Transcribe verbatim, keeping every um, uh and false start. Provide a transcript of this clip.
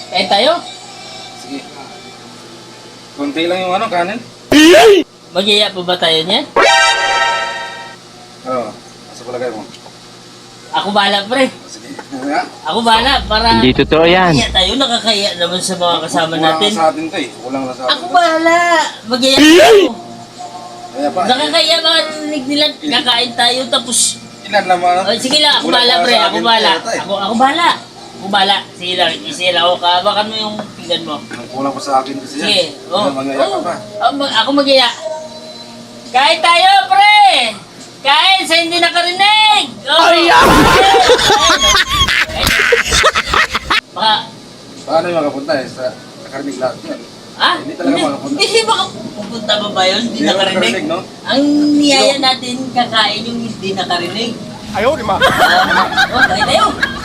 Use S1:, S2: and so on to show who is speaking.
S1: Kain tayo?
S2: Sige. Kunti lang yung ano, kanin.
S1: Mag-iya pa ba tayo niyan?
S2: Oo. Asa pala kayo mo?
S1: Ako bahala, pre.
S2: Sige. Nga.
S1: Ako bahala para...
S3: Hindi totoo yan.
S1: Kaya tayo, nakakaya naman sa mga kasama
S2: Kulang
S1: natin.
S2: lang sa atin to eh. Kulang lang sa atin.
S1: Ako bahala. Mag-iya tayo.
S2: Kaya pa.
S1: Nakakaya marinig nila kakain tayo tapos...
S2: Ilan naman.
S1: Oh, sige lang, ako
S2: Kulang
S1: bahala,
S2: para
S1: pre.
S2: sa
S1: Ako
S2: akin,
S1: bahala.
S2: kaya tayo.
S1: Ako, ako bahala. Ako bahala. Sige lang, isi lang. O, kabakan mo yung pinggan mo.
S2: Ang kulang pa sa akin kasi yan.
S1: Sige. Oh.
S2: Mga ngaya ka
S1: Oh.
S2: pa.
S1: Oh, mag- ako mag-iya. Kain tayo, pre! Kain sa hindi nakarinig! Oh. Ay, Baka,
S2: Paano yung makapunta eh? Sa nakarinig lahat yan.
S1: ah?
S2: Hindi talaga makapunta.
S1: Hindi baka pupunta ba ba yun? Hindi
S2: Hindi naman
S1: nakarinig?
S2: nakarinig, no?
S1: Ang niyaya natin kakain yung hindi nakarinig.
S3: Ayaw, di ma.
S1: Ah, oh, kain tayo!